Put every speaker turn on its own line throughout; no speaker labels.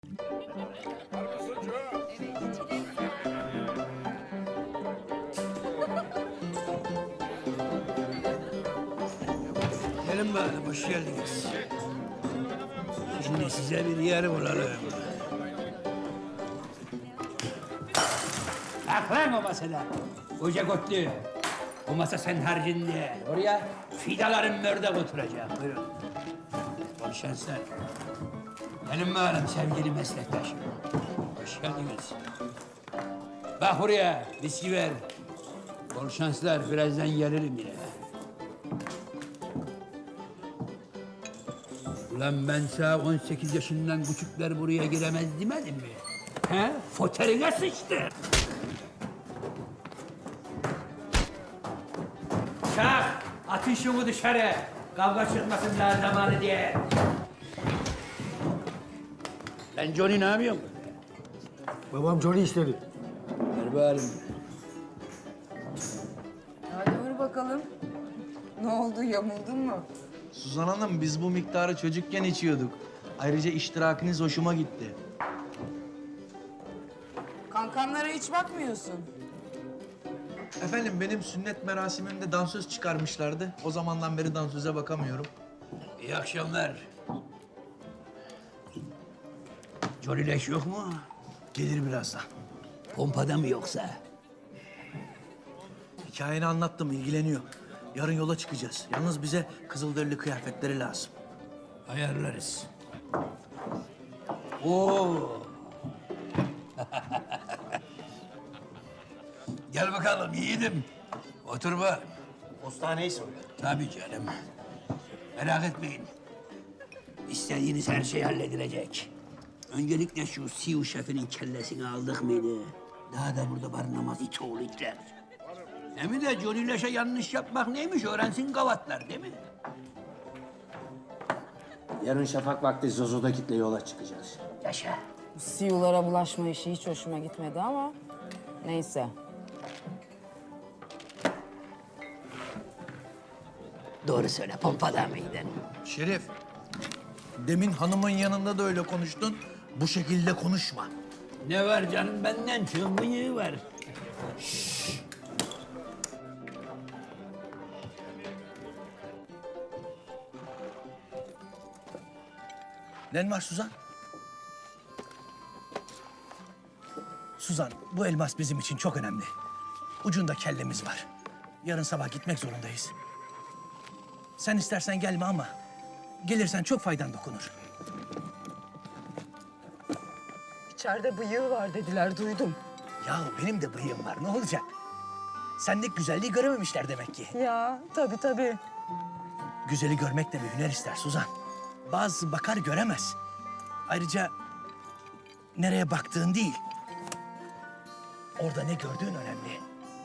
Gelin bakalım, hoş geldiniz. Şimdi size bir yer bulalım. Kalk lan o masada. Koca kotlu. O masa sen harcinde. Oraya fidaların mördek oturacak. Buyurun. Bol şanslar. Gelin bakalım sevgili meslektaşım. Hoş geldiniz. Bak buraya, viski ver. Bol şanslar, birazdan gelirim yine. Ulan ben sana 18 yaşından küçükler buraya giremez demedim mi? He? Foterine sıçtı. Çak! Atın şunu dışarı. Kavga çıkmasın daha zamanı diye. Lan Johnny ne yapıyorsun?
Babam Johnny istedi.
Ver bari.
Hadi vur bakalım. Ne oldu, yamuldun mu?
Suzan Hanım, biz bu miktarı çocukken içiyorduk. Ayrıca iştirakiniz hoşuma gitti.
Kankanlara hiç bakmıyorsun.
Efendim, benim sünnet merasimimde dansöz çıkarmışlardı. O zamandan beri dansöze bakamıyorum.
İyi akşamlar. Johnny leş yok mu?
Gelir birazdan.
Pompada mı yoksa?
Hikayeni anlattım, ilgileniyor. Yarın yola çıkacağız. Yalnız bize kızılderili kıyafetleri lazım.
Ayarlarız. Oo. Gel bakalım yiğidim. Otur bak.
Postaneyi söyle.
Tabii canım. Merak etmeyin. İstediğiniz her şey halledilecek. Öncelikle şu Siu şefinin kellesini aldık mıydı? Daha da burada barınamaz it oğlu itler. Hem de Johnny Leş'e yanlış yapmak neymiş öğrensin gavatlar değil mi?
Yarın şafak vakti Zozo'da kitle yola çıkacağız.
Yaşa.
Bu siyulara bulaşma işi hiç hoşuma gitmedi ama neyse.
Doğru söyle, pompada mıydın?
Şerif, demin hanımın yanında da öyle konuştun. Bu şekilde konuşma.
Ne var canım benden çok bıyığı var.
Ne var Suzan? Suzan, bu elmas bizim için çok önemli. Ucunda kellemiz var. Yarın sabah gitmek zorundayız. Sen istersen gelme ama gelirsen çok faydan dokunur.
İçeride bıyığı var dediler, duydum.
Ya benim de bıyığım var, ne olacak? Sendeki güzelliği görememişler demek ki.
Ya tabii tabii.
Güzeli görmek de bir hüner ister Suzan. Bazısı bakar göremez. Ayrıca nereye baktığın değil, orada ne gördüğün önemli.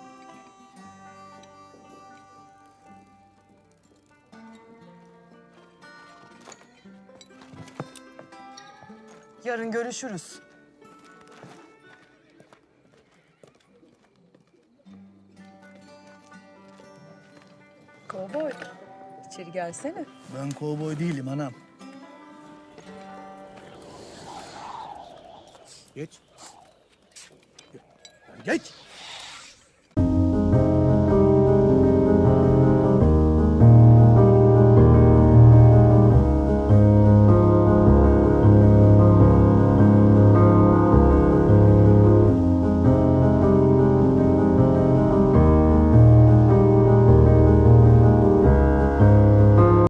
Yarın görüşürüz. Kovboy, içeri gelsene.
Ben kovboy değilim anam. Geç. Geç.